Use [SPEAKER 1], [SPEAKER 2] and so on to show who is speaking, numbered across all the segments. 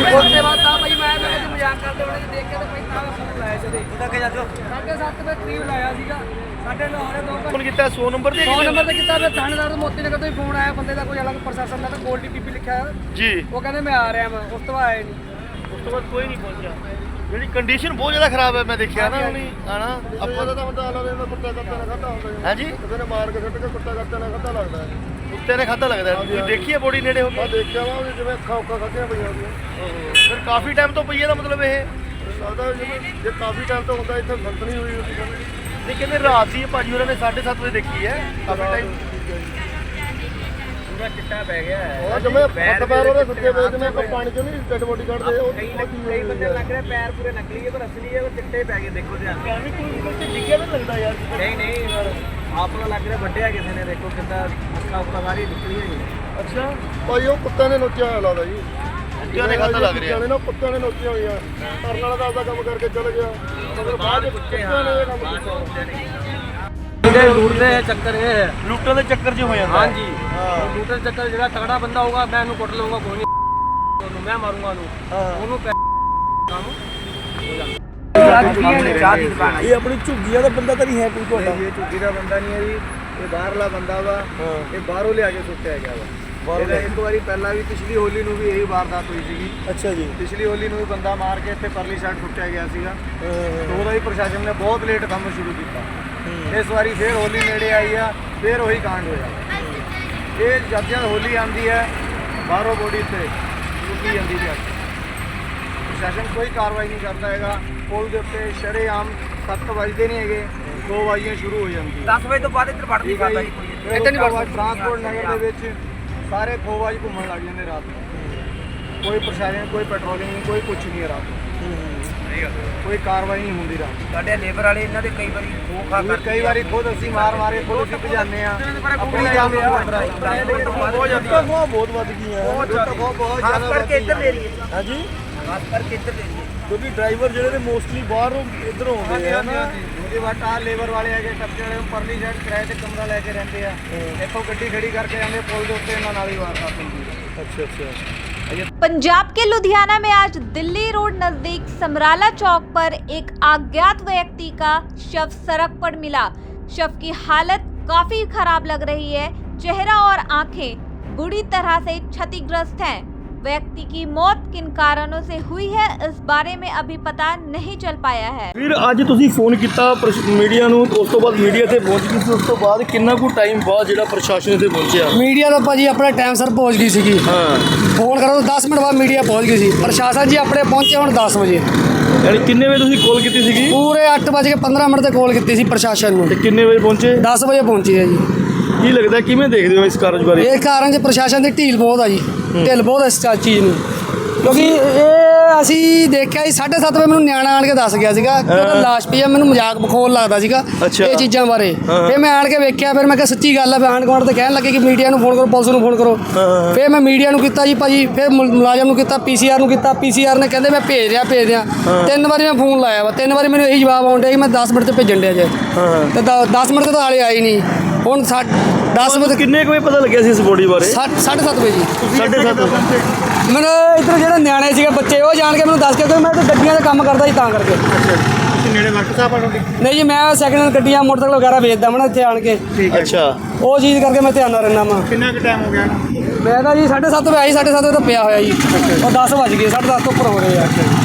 [SPEAKER 1] उसके बाद था भाई मैं मजाक करते हुए देख के तो भाई तां फोन लाया चले तक जा 7:30 ਵਜੇ ਕਰੀਬ ਲਾਇਆ ਸੀਗਾ 9:30 ਹੋਰੇ 2
[SPEAKER 2] ਫੋਨ ਕੀਤਾ 100 ਨੰਬਰ ਤੇ
[SPEAKER 1] 100 ਨੰਬਰ ਤੇ ਕੀਤਾ ਫਿਰ ਥਾਣੇਦਾਰ ਮੋਤੀ ਨਗਰ ਤੋਂ ਹੀ ਫੋਨ ਆਇਆ ਬੰਦੇ ਦਾ ਕੋਈ ਅਲੱਗ ਪ੍ਰਸ਼ਾਸਨ ਦਾ ਤਾਂ ਗੋਲਡੀ ਪੀਪੀ ਲਿਖਿਆ
[SPEAKER 2] ਜੀ
[SPEAKER 1] ਉਹ ਕਹਿੰਦੇ ਮੈਂ ਆ ਰਿਹਾ ਮੈਂ ਉਸ ਤੋਂ ਬਾਅਦ ਆਏ ਨਹੀਂ
[SPEAKER 2] ਉਸ ਤੋਂ ਬਾਅਦ ਕੋਈ ਨਹੀਂ ਪਹੁੰਚਿਆ ਜਿਹੜੀ ਕੰਡੀਸ਼ਨ ਬਹੁਤ ਜ਼ਿਆਦਾ ਖਰਾਬ ਹੈ ਮੈਂ ਦੇਖਿਆ ਨਾ ਹੁਣੀ ਆਣਾ ਆਪਾਂ ਦਾ ਤਾਂ ਬੰਦਾ ਆਲਾ ਦਾ ਕੁੱਤਾ ਕੱਟਾ ਨਾ ਖਾਦਾ ਹੁੰਦਾ ਹੈ ਜੀ ਕਿਸੇ ਨੇ ਮਾਰ ਕੇ ਸੁੱਟ ਕੇ ਕੁੱਤਾ ਕੱਟਾ ਨਾ ਖਾਦਾ ਲੱਗਦਾ ਹੈ ਕੁੱਤੇ ਨੇ ਖਾਦਾ ਲੱਗਦਾ ਤੁਸੀਂ ਦੇਖੀਏ ਬੋਡੀ ਨੇੜੇ ਹੋ ਕੇ ਦੇਖਿਆ ਵਾ ਜਿਵੇਂ ਅੱਖਾਂ ਉੱਕਾ ਖਾਧੀਆਂ ਪਈਆਂ ਹੁੰਦੀਆਂ ਫਿਰ ਕਾਫੀ ਟਾਈਮ ਤੋਂ ਪਈ ਹੈ ਦਾ ਮਤਲਬ ਇਹ ਲੱਗਦਾ ਜਿਵੇਂ ਜੇ ਕਾਫੀ ਟਾਈਮ ਤੋਂ ਹੁੰਦਾ ਇੱਥੇ ਸੰਤ ਨਹੀਂ ਹੋਈ ਨਹੀਂ ਕਹਿੰਦੇ ਰਾਤ ਦੀ ਭਾਜੀ ਉਹਨਾਂ ਨੇ 7:30 ਵਜੇ ਦੇਖੀ ਹੈ ਕਾਫੀ ਟਾਈਮ ਪੂਰਾ ਚਿੱਟਾ ਪੈ ਗਿਆ ਹੈ ਉਹ ਜਿਵੇਂ ਫੱਟ ਪੈਰ ਉਹਦੇ ਸੁੱਕੇ ਪਏ ਜਿਵੇਂ ਆਪਾਂ ਪਾਣੀ ਚੋਂ ਨਹੀਂ ਡੈਡ ਬੋਡੀ ਕੱਢਦੇ ਉਹ ਕਈ ਬੰਦੇ ਲੱਗ ਰਿਹਾ ਪੈਰ ਪੂਰੇ ਨਕਲੀ ਹੈ ਪਰ ਅਸਲੀ ਹੈ ਉਹ ਚਿੱਟੇ ਪੈ ਗਏ ਦੇਖੋ ਧਿਆਨ ਨਾਲ ਕੋਈ ਬੰਦੇ ਡਿੱਗਿਆ ਤਾਂ ਲੱਗਦਾ ਯਾਰ ਨਹੀਂ ਆਪ ਨੂੰ ਲੱਗ ਰਿਹਾ ਵੱਡਿਆ ਕਿਸੇ ਨੇ ਦੇਖੋ ਕਿੱਦਾਂ ਅੱਖਾਂ ਉੱਪਰ ਸਾਰੀ ਨਿਕਲੀ ਹੋਈ ਅੱਛਾ ਭਾਈ ਉਹ ਕੁੱਤੇ ਨੇ ਨੋਚਿਆ ਹੋਇਆ ਲੱਗਦਾ ਜੀ ਕੁੱਤਿਆਂ ਨੇ ਖਾਧਾ ਲੱਗ ਰਿਹਾ ਨਾ ਕੁੱਤਿਆਂ ਨੇ ਨੋਚੀਆਂ ਹੋਈਆਂ ਕਰਨ ਵਾਲਾ ਤਾਂ ਆਪਦਾ ਕੰਮ ਕਰਕੇ ਚਲੇ ਗਿਆ ਮਗਰ ਬਾਅਦ ਕੁੱਤਿਆਂ ਨੇ ਇਹ ਕੰਮ ਕੀਤਾ
[SPEAKER 1] लूटने चक्कर ये है
[SPEAKER 2] लूटने के चक्कर जो हो जाता
[SPEAKER 1] हाँ जी लूटने चक्कर जो तगड़ा बंदा होगा मैं उन्हें कुट लूंगा कोई नहीं मैं मारूंगा
[SPEAKER 2] ये अपनी झुग्गी का बंदा तो नहीं है कोई
[SPEAKER 3] ये झुग्गी का बंदा नहीं है जी ये बाहरला बंदा वा ये बाहरों ले आके सुट्या गया वा एक बारी पहला भी पिछली होली ਨੂੰ भी यही वारदात हुई सी
[SPEAKER 2] अच्छा जी
[SPEAKER 3] पिछली होली ਨੂੰ ਵੀ ਬੰਦਾ ਮਾਰ ਕੇ ਇੱਥੇ ਪਰਲੀ ਸਾਈਡ ਸੁੱਟਿਆ ਗਿਆ ਸੀਗਾ ਤੇ ਉਹਦਾ ਵੀ ਪ੍ਰਸ਼ਾਸਨ ਨੇ ਬਹੁਤ ਲੇਟ ਕੰਮ ਸ਼ੁਰੂ ਕੀਤਾ ਇਸ ਵਾਰੀ ਫੇਰ ਹੋਲੀ ਨੇੜੇ ਆਈ ਆ ਫੇਰ ਉਹੀ ਕਾਂਡ ਹੋਇਆ ਇਹ ਜਦ ਹੋਲੀ ਆਉਂਦੀ ਹੈ ਬਾਹਰੋਂ ਬੋਡੀ ਤੇ ਰੁਕੀ ਜਾਂਦੀ ਹੈ ਪ੍ਰਸ਼ਾਸਨ ਕੋਈ ਕਾਰਵਾਈ ਨਹੀਂ ਕਰਦਾ ਹੈਗਾ ਪੁਲ ਦੇ ਉੱਤੇ ਸ਼ਰੇਆਮ 7 ਵਜੇ ਨਹੀਂ ਹੈਗੇ 2 ਵਜੇ ਸ਼ੁਰੂ ਹੋ ਜਾਂਦੀ
[SPEAKER 1] 10 ਵਜੇ ਤੋਂ ਬਾਅਦ ਇੱਧਰ ਵੜਦੀ ਕਰਦਾ ਜੀ ਕੋਈ
[SPEAKER 3] ਇੱਥੇ ਨਹੀਂ ਵੜਦਾ ਟਰਾਂਸਪੋਰਟ ਨਗਰ ਦੇ ਵਿੱਚ ਸਾਰੇ ਖੋਵਾਜ ਘੁੰਮਣ ਲੱਗ ਜਾਂਦੇ ਰਾਤ ਨੂੰ ਕੋਈ ਪ੍ਰਸ਼ਾਸਨ ਕੋਈ ਪੈਟਰੋਲਿੰਗ ਨਹੀਂ ਕੋਈ ਕੁਝ ਨਹੀਂ ਰਾਤ ਨੂੰ ਕੋਈ ਕਾਰਵਾਈ ਨਹੀਂ ਹੁੰਦੀ ਰਾਤ
[SPEAKER 1] ਸਾਡੇ ਲੇਬਰ ਵਾਲੇ ਇਹਨਾਂ ਦੇ ਕਈ ਵਾਰੀ ਖੋਖਾ ਕਰਦੇ
[SPEAKER 3] ਕਈ ਵਾਰੀ ਖੁਦ ਅਸੀਂ ਮਾਰੇ ਖੁਦ ਅਸੀਂ ਭਜਾਉਂਦੇ ਆ ਆਪਣੀ ਜਾਨ ਨੂੰ ਬਹੁਤ ਵੱਧ ਗਈਆਂ ਬਹੁਤ
[SPEAKER 1] ਖਾਸ ਕਰਕੇ ਇੱਧਰ ਲੈ ਰਹੀ ਹੈ
[SPEAKER 2] ਹਾਂਜੀ
[SPEAKER 1] ਖਾਸ ਕਰਕੇ ਇੱਧਰ ਲੈ ਰਹੀ ਹੈ
[SPEAKER 2] ਕਿਉਂਕਿ ਡਰਾਈਵਰ ਜਿਹੜੇ ਨੇ ਮੋਸਟਲੀ ਬਾਹਰੋਂ ਇੱਧਰੋਂ ਆਉਂਦੇ ਆ ਨਾ
[SPEAKER 3] ਉਹਦੇ ਬਾਅਦ ਆ ਲੇਬਰ ਵਾਲੇ ਹੈਗੇ ਟੱਪੇ ਵਾਲੇ ਪਰਲੀ ਸਾਈਡ ਕਿਰਾਏ ਤੇ ਕਮਰਾ ਲੈ ਕੇ ਰਹਿੰਦੇ ਆ ਇੱਥੋਂ ਗੱਡੀ ਖੜੀ ਕਰਕੇ ਜਾਂਦੇ ਪੁਲ ਦੇ ਉੱਤੇ ਇਹਨਾਂ ਨਾਲ ਹੀ ਵਾਰਦਾਤ ਹੁੰਦੀ ਹੈ
[SPEAKER 2] अच्छा
[SPEAKER 4] पंजाब के लुधियाना में आज दिल्ली रोड नजदीक समराला चौक पर एक अज्ञात व्यक्ति का शव सड़क पर मिला। शव की हालत काफी खराब लग रही है। चेहरा और आंखें बुरी तरह से क्षतिग्रस्त हैं। व्यक्ति की मौत किन कारणों से हुई है इस बारे में अभी पता नहीं चल पाया है।
[SPEAKER 2] फिर ਅੱਜ ਤੁਸੀਂ ਫੋਨ ਕੀਤਾ ਮੀਡੀਆ ਨੂੰ ਉਸ ਤੋਂ ਬਾਅਦ ਮੀਡੀਆ ਤੇ ਪਹੁੰਚ ਗਈ ਸੀ ਉਸ ਤੋਂ ਬਾਅਦ ਕਿੰਨਾ ਕੁ ਟਾਈਮ ਬਾਅਦ ਜਿਹੜਾ ਪ੍ਰਸ਼ਾਸਨ ਇੱਥੇ ਪਹੁੰਚਿਆ
[SPEAKER 1] ਮੀਡੀਆ ਤਾਂ ਭਾਜੀ ਆਪਣੇ ਟਾਈਮ ਸਿਰ ਪਹੁੰਚ ਗਈ ਸੀਗੀ
[SPEAKER 2] ਹਾਂ
[SPEAKER 1] ਫੋਨ ਕਰੋ ਤਾਂ 10 ਮਿੰਟ ਬਾਅਦ ਮੀਡੀਆ ਪਹੁੰਚ ਗਈ ਸੀ ਪ੍ਰਸ਼ਾਸਨ ਜੀ ਆਪਣੇ ਪਹੁੰਚੇ ਹੁਣ 10 ਵਜੇ
[SPEAKER 2] ਯਾਨੀ ਕਿੰਨੇ ਵਜੇ ਤੁਸੀਂ ਕਾਲ ਕੀਤੀ ਸੀਗੀ
[SPEAKER 1] ਪੂਰੇ 8:15 ਮਿੰਟ ਤੇ ਕਾਲ ਕੀਤੀ ਸੀ ਪ੍ਰਸ਼ਾਸਨ ਨੂੰ
[SPEAKER 2] ਤੇ ਕਿੰਨੇ ਵਜੇ ਪਹੁੰਚੇ
[SPEAKER 1] 10 ਵਜੇ ਪਹੁੰਚੇ ਆ ਜੀ
[SPEAKER 2] ਕੀ ਲੱਗਦਾ ਕਿਵੇਂ ਦੇਖਦੇ ਹੋ ਇਸ ਕਾਰਜ ਬਾਰੇ
[SPEAKER 1] ਇਹ ਕਾਰਨ 'ਚ ਪ੍ਰਸ਼ਾਸਨ ਦੀ ਢੀਲ ਬਹੁਤ ਆ ਜੀ ਢਿੱਲ ਬਹੁਤ ਇਸ ਚੀਜ਼ ਨੂੰ ਕਿਉਂਕਿ ਇਹ ਅਸੀਂ ਦੇਖਿਆ ਸੀ 7:30 ਵਜੇ ਮੈਨੂੰ ਨਿਆਣਾ ਆਣ ਕੇ ਦੱਸ ਗਿਆ ਸੀਗਾ ਕਿ ਉਹਦਾ ਲਾਸ਼ ਪਈ ਆ ਮੈਨੂੰ ਮਜ਼ਾਕ ਬਖੋਲ ਲੱਗਦਾ ਸੀਗਾ ਇਹ ਚੀਜ਼ਾਂ ਬਾਰੇ ਫਿਰ ਮੈਂ ਆਣ ਕੇ ਵੇਖਿਆ ਫਿਰ ਮੈਂ ਕਿਹਾ ਸੱਚੀ ਗੱਲ ਆ ਆਂਢ ਗੁਆਂਢ ਤੇ ਕਹਿਣ ਲੱਗੇ ਕਿ ਮੀਡੀਆ ਨੂੰ ਫੋਨ ਕਰੋ ਪੁਲਿਸ ਨੂੰ ਫੋਨ ਕਰੋ ਫਿਰ ਮੈਂ ਮੀਡੀਆ ਨੂੰ ਕੀਤਾ ਜੀ ਭਾਜੀ ਫਿਰ ਮੁਲਾਜ਼ਮ ਨੂੰ ਕੀਤਾ ਪੀਸੀਆਰ ਨੂੰ ਕੀਤਾ ਪੀਸੀਆਰ ਨੇ ਕਹਿੰਦੇ ਮੈਂ ਭੇਜ ਰਿਹਾ 3 ਵਾਰੀ ਮੈਂ ਫੋਨ ਲਾਇਆ ਵਾ 3 ਵਾਰੀ ਮੈਨੂੰ ਇਹੀ ਜਵਾਬ ਆਉਣ ਡਿਆ ਕਿ ਮੈਂ 10 ਮਿੰਟ ਤੇ ਭੇਜਣ ਡਿਆ ਜੇ ਤੇ 10 ਮਿੰਟ ਤੇ ਤਾਂ ਹਾਲੇ ਆਈ ਨਹੀਂ ਹੁਣ 10 ਵਜੇ
[SPEAKER 2] ਕਿੰਨੇ ਕੁ ਵਜੇ ਪਤਾ ਲੱਗਿਆ ਸੀ ਇਸ ਬੋਡੀ ਬਾਰੇ
[SPEAKER 1] 7:30 ਵਜੇ ਜੀ
[SPEAKER 2] 7:30
[SPEAKER 1] ਮੈਨੂੰ ਇੱਧਰ ਜਿਹੜੇ ਨਿਆਣੇ ਸੀਗੇ ਬੱਚੇ ਉਹ ਜਾਣ ਕੇ ਮੈਨੂੰ ਦੱਸ ਕੇ ਕਿ ਮੈਂ ਤਾਂ ਗੱਡੀਆਂ ਦਾ ਕੰਮ ਕਰਦਾ ਸੀ ਤਾਂ ਕਰਕੇ
[SPEAKER 3] ਤੁਸੀਂ ਨੇੜੇ ਵਰਕ ਸਾਹਿਬ ਆਣੋਗੇ
[SPEAKER 1] ਨਹੀਂ ਜੀ ਮੈਂ ਸੈਕਿੰਡ ਹੈਂਡ ਗੱਡੀਆਂ ਮੋਟਰਸਾਈਕਲ ਵਗੈਰਾ ਵੇਚਦਾ ਮੈਂ ਇੱਥੇ ਆਣ ਕੇ
[SPEAKER 2] ਅੱਛਾ
[SPEAKER 1] ਉਹ ਚੀਜ਼ ਕਰਕੇ ਮੈਂ ਧਿਆਨ ਨਾਲ ਰਹਿਣਾ ਵਾ
[SPEAKER 3] ਕਿੰਨਾ ਕੁ ਟਾਈਮ ਹੋ ਗਿਆ
[SPEAKER 1] ਮੈਂ ਤਾਂ ਜੀ 7:30 ਵਜੇ ਆਈ 7:30 ਵਜੇ ਤਾਂ ਪਿਆ ਹੋਇਆ ਜੀ ਉਹ 10 ਵੱਜ ਗਏ 10:30 ਤੋਂ ਉੱਪਰ ਹੋ ਗਏ ਆ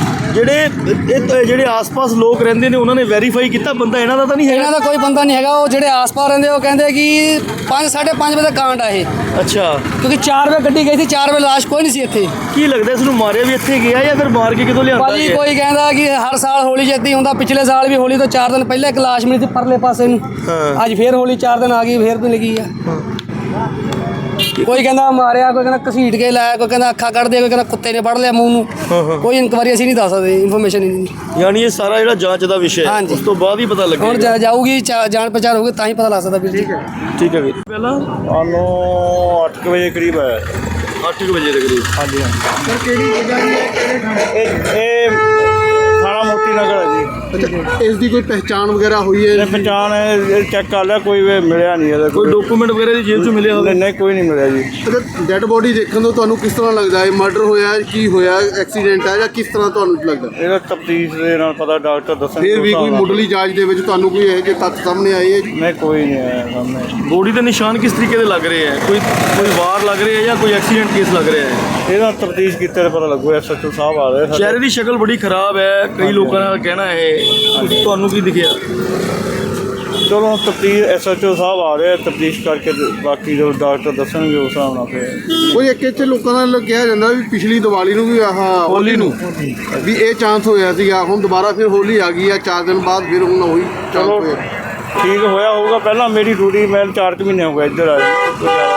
[SPEAKER 2] ਜਿਹੜੇ ਆਸ-ਪਾਸ ਲੋਕ ਰਹਿੰਦੇ ਨੇ ਉਹਨਾਂ ਨੇ ਵੈਰੀਫਾਈ ਕੀਤਾ ਬੰਦਾ ਇਹਨਾਂ ਦਾ ਤਾਂ ਨਹੀਂ ਹੈਗਾ
[SPEAKER 1] ਇਹਨਾਂ ਦਾ ਕੋਈ ਬੰਦਾ ਨਹੀਂ ਹੈਗਾ ਉਹ ਜਿਹੜੇ ਆਸ-ਪਾਸ ਰਹਿੰਦੇ ਉਹ ਕਹਿੰਦੇ ਕਿ 5:30 ਵਜੇ ਦਾ ਕਾਂਡ ਆ ਇਹ
[SPEAKER 2] ਅੱਛਾ
[SPEAKER 1] ਕਿਉਂਕਿ 4 ਵਜੇ ਗੱਡੀ ਗਈ ਸੀ 4 ਵਜੇ ਲਾਸ਼ ਕੋਈ ਨਹੀਂ ਸੀ ਇੱਥੇ
[SPEAKER 2] ਕੀ ਲੱਗਦਾ ਇਸ ਨੂੰ ਮਾਰਿਆ ਵੀ ਇੱਥੇ ਗਿਆ ਜਾਂ ਫਿਰ ਮਾਰ ਕੇ ਕਿਤੋਂ ਲਿਆਂਦਾ
[SPEAKER 1] ਭਾਜੀ ਕੋਈ ਕਹਿੰਦਾ ਕਿ ਹਰ ਸਾਲ ਹੋਲੀ ਜਿੱਦੀ ਹੁੰਦਾ ਪਿਛਲੇ ਸਾਲ ਵੀ ਹੋਲੀ ਤੋਂ 4 ਦਿਨ ਪਹਿਲਾਂ ਇੱਕ ਲਾਸ਼ ਮਿਲੀ ਸੀ ਪਰਲੇ ਪਾਸੇ ਨੂੰ ਅੱਜ ਫੇਰ ਹੋਲੀ 4 ਦਿਨ ਆ ਗਈ ਫੇਰ ਮਿਲ ਗਈ ਆ ਕੋਈ ਕਹਿੰਦਾ ਮਾਰਿਆ ਕੋਈ ਕਹਿੰਦਾ ਘਸੀਟ ਕੇ ਲਾਇਆ ਕੋਈ ਕਹਿੰਦਾ ਅੱਖਾਂ ਕੱਢ ਦੇ ਕੋਈ ਕਹਿੰਦਾ ਕੁੱਤੇ ਨੇ ਫੜ ਲਿਆ ਮੂੰਹ ਨੂੰ ਕੋਈ ਇਨਕੁਆਰੀ ਅਸੀਂ ਨਹੀਂ ਦੱਸ ਸਕਦੇ ਇਨਫੋਰਮੇਸ਼ਨ ਹੀ ਨਹੀਂ
[SPEAKER 2] ਯਾਨੀ ਇਹ ਸਾਰਾ ਜਿਹੜਾ ਜਾਂਚ ਦਾ ਵਿਸ਼ਾ ਹੈ ਉਸ ਤੋਂ ਬਾਅਦ ਹੀ ਪਤਾ ਲੱਗੇਗਾ
[SPEAKER 1] ਹੁਣ ਜਾਊਗੀ ਜਾਣ ਪਛਾਣ ਹੋਊਗੀ ਤਾਂ ਹੀ ਪਤਾ ਲੱਗ ਸਕਦਾ ਵੀਰ ਜੀ
[SPEAKER 2] ਠੀਕ ਹੈ ਵੀਰ ਪਹਿਲਾਂ
[SPEAKER 3] ਸਾਨੂੰ 8 ਵਜੇ ਕਰੀਬ ਆਇਆ
[SPEAKER 2] 8 ਵਜੇ ਦੇ ਕਰੀਬ
[SPEAKER 3] ਹਾਂਜੀ ਸਰ ਕਿਹੜੀ ਜਗ੍ਹਾ ਇਹ ਥਾਣਾ ਮੋਤੀ
[SPEAKER 5] ਨਗਰ ਹੈ ਜੀ।
[SPEAKER 2] ਇਸ ਦੀ ਕੋਈ ਪਹਿਚਾਣ ਵਗੈਰਾ ਹੋਈ
[SPEAKER 5] ਇਹ
[SPEAKER 2] ਹੈ?
[SPEAKER 5] ਪਛਾਣ ਚੈੱਕ ਕਰ ਲਿਆ, ਕੋਈ ਮਿਲਿਆ ਨਹੀਂ ਇਹਦਾ।
[SPEAKER 2] ਕੋਈ ਡਾਕੂਮੈਂਟ ਵਗੈਰਾ ਦੀ ਜੇਬ 'ਚ ਮਿਲਿਆ ਹੋਵੇ?
[SPEAKER 5] ਨਹੀਂ, ਕੋਈ ਨਹੀਂ ਮਿਲਿਆ ਜੀ।
[SPEAKER 2] ਅੱਛਾ, ਡੈੱਡ ਬੋਡੀ ਦੇਖਣ ਤੋਂ ਤੁਹਾਨੂੰ ਕਿਸ ਤਰ੍ਹਾਂ ਲੱਗਦਾ ਹੈ? ਮਰਡਰ ਹੋਇਆ ਹੈ, ਕੀ ਹੋਇਆ, ਐਕਸੀਡੈਂਟ ਹੈ ਜਾਂ ਕਿਸ ਤਰ੍ਹਾਂ ਤੁਹਾਨੂੰ ਲੱਗਦਾ?
[SPEAKER 5] ਇਹਦਾ ਤਫਤੀਸ਼ ਦੇ ਨਾਲ ਪਤਾ, ਡਾਕਟਰ ਦੱਸਣਗੇ।
[SPEAKER 2] ਫਿਰ ਵੀ ਕੋਈ ਮੁੱਢਲੀ ਜਾਂਚ ਦੇ ਵਿੱਚ ਤੁਹਾਨੂੰ ਕੋਈ ਇਹੋ ਜਿਹੇ ਤੱਥ ਸਾਹਮਣੇ ਆਏ ਹੈ?
[SPEAKER 5] ਨਹੀਂ, ਕੋਈ ਨਹੀਂ ਆਇਆ ਸਾਹਮਣੇ।
[SPEAKER 6] ਬੋਡੀ ਦੇ ਨਿਸ਼ਾਨ ਕਿਸ ਤਰੀਕੇ ਦੇ ਲੱਗ ਰਹੇ ਹੈ? ਕੋਈ ਵਾਰ ਲੱਗ ਰਿਹਾ ਹੈ ਜਾਂ ਕੋਈ ਐਕਸੀਡੈਂਟ ਕੇਸ ਲੱਗ ਰਿਹਾ ਹੈ?
[SPEAKER 5] ਇਹਦਾ ਤਫਤੀਸ਼ ਕੀਤੇ ਤਾਂ ਪਤਾ ਲੱਗੂ। SHO ਸਾਹਿਬ ਆ ਰਹੇ ਸਾਡੇ।
[SPEAKER 6] ਚਿਹਰੇ ਦੀ ਸ਼ਕਲ ਬੜੀ ਖਰਾਬ ਹੈ, ਕਈ ਲੋਕਾਂ ਦਾ ਕਹਿਣਾ ਹੈ। ਤੁਹਾਨੂੰ ਕੀ ਦਿਖਿਆ?
[SPEAKER 5] ਚਲੋ ਤਫਤੀਸ਼ SHO ਸਾਹਿਬ ਆ ਰਹੇ, ਤਫਤੀਸ਼ ਕਰਕੇ ਤੇ ਬਾਕੀ ਜੋ ਡਾਕਟਰ ਦੱਸਣਗੇ ਉਸ ਹਿਸਾਬ ਨਾਲ ਫਿਰ।
[SPEAKER 2] ਕੋਈ ਇੱਕ ਇੱਥੇ ਲੋਕਾਂ ਨਾਲ ਕਿਹਾ ਜਾਂਦਾ ਵੀ ਪਿਛਲੀ ਦੀਵਾਲੀ ਨੂੰ ਵੀ ਹੋਲੀ ਨੂੰ ਵੀ ਇਹ ਚਾਂਸ ਹੋਇਆ ਸੀਗਾ, ਹੁਣ ਦੁਬਾਰਾ ਫਿਰ ਹੋਲੀ ਆ ਗਈ ਆ 4 ਦਿਨ ਬਾਅਦ, ਫਿਰ ਹੁਣ ਉਹੀ ਚਾਂਸ
[SPEAKER 5] ਚਲੋ
[SPEAKER 2] ਹੋਇਆ।
[SPEAKER 5] ਠੀਕ ਹੋਇਆ ਹੋਊਗਾ। ਪਹਿਲਾਂ ਮੇਰੀ ਡਿਊਟੀ ਮੈਂ 4 ਮਹੀਨੇ ਹੋ ਗਏ ਇੱਧਰ ਆਏ। ਕੋਈ ਜ਼ਿਆਦਾ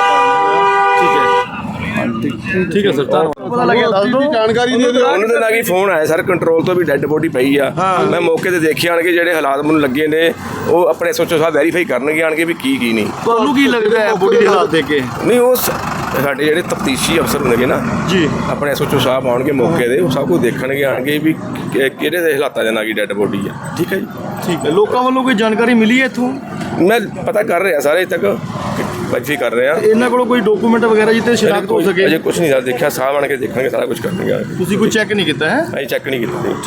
[SPEAKER 6] ਠੀਕ ਹੈ ਸਰ, ਧੰਨਵਾਦ। ਪਤਾ ਲੱਗਿਆ ਦੱਸ ਦਿਓ।
[SPEAKER 2] ਜਾਣਕਾਰੀ ਦੇ ਦਿਓ।
[SPEAKER 7] ਉਹਨਾਂ ਦੇ ਨਾਲ ਹੀ ਫੋਨ ਆਇਆ ਸਰ ਕੰਟਰੋਲ ਤੋਂ ਵੀ ਡੈੱਡ ਬੋਡੀ ਪਈ ਆ। ਮੈਂ ਮੌਕੇ ਤੇ ਦੇਖਿਆ ਆਣ ਕੇ ਜਿਹੜੇ ਹਾਲਾਤ ਮੈਨੂੰ ਲੱਗੇ ਨੇ ਉਹ ਆਪਣੇ SHO ਸਾਹਿਬ ਵੈਰੀਫਾਈ ਕਰਨਗੇ ਆਣ ਕੇ ਵੀ ਕੀ ਨਹੀਂ।
[SPEAKER 6] ਤੁਹਾਨੂੰ ਕੀ ਲੱਗਦਾ ਹੈ ਬੋਡੀ ਦੇ ਹਾਲਾਤ ਦੇਖ ਕੇ?
[SPEAKER 7] ਨਹੀਂ ਉਹ ਸਾਡੇ ਜਿਹੜੇ ਤਫਤੀਸ਼ੀ ਅਫਸਰ ਹੁੰਦੇ ਨਾ
[SPEAKER 6] ਜੀ,
[SPEAKER 7] ਆਪਣੇ SHO ਸਾਹਿਬ ਆਉਣਗੇ ਮੌਕੇ ਦੇ, ਉਹ ਸਭ ਕੁਝ ਦੇਖਣਗੇ ਆਣਗੇ ਵੀ ਕਿਹੜੇ ਦੇ ਹਾਲਾਤਾਂ ਦੇ ਨਾਲ ਕੀ ਡੈੱਡ ਬੋਡੀ ਆ। ਠੀਕ ਹੈ ਜੀ,
[SPEAKER 6] ਠੀਕ ਹੈ। ਲੋਕਾਂ ਵੱਲੋਂ ਕੋਈ ਜਾਣਕਾਰੀ ਮਿਲੀ ਹੈ ਇੱਥੋਂ?
[SPEAKER 7] ਮੈਂ ਪਤਾ ਕਰ ਰਿਹਾ ਸਾਰੇ ਤੱਕ ਵੈਰੀਫਾਈ ਕਰ ਰਿਹਾ।
[SPEAKER 6] ਇਹਨਾਂ ਕੋਲੋਂ ਕੋਈ ਡਾਕੂਮੈਂਟ ਵਗੈਰਾ ਜਿੱਤੇ ਸ਼ਨਾਖਤ ਹੋ ਸਕੇ?
[SPEAKER 7] ਅਜੇ ਕੁਝ ਨਹੀਂ ਦੱਸ ਦੇਖਿਆ, ਸਾਹਿਬ ਆਣ ਕੇ ਦੇਖਣਗੇ, ਸਾਰਾ ਕੁਝ ਕਰਨਗੇ।
[SPEAKER 6] ਤੁਸੀਂ ਕੋਈ ਚੈੱਕ ਨਹੀਂ ਕੀਤਾ ਹੈ?
[SPEAKER 7] ਅਸੀਂ ਚੈੱਕ ਨਹੀਂ ਕੀਤਾ।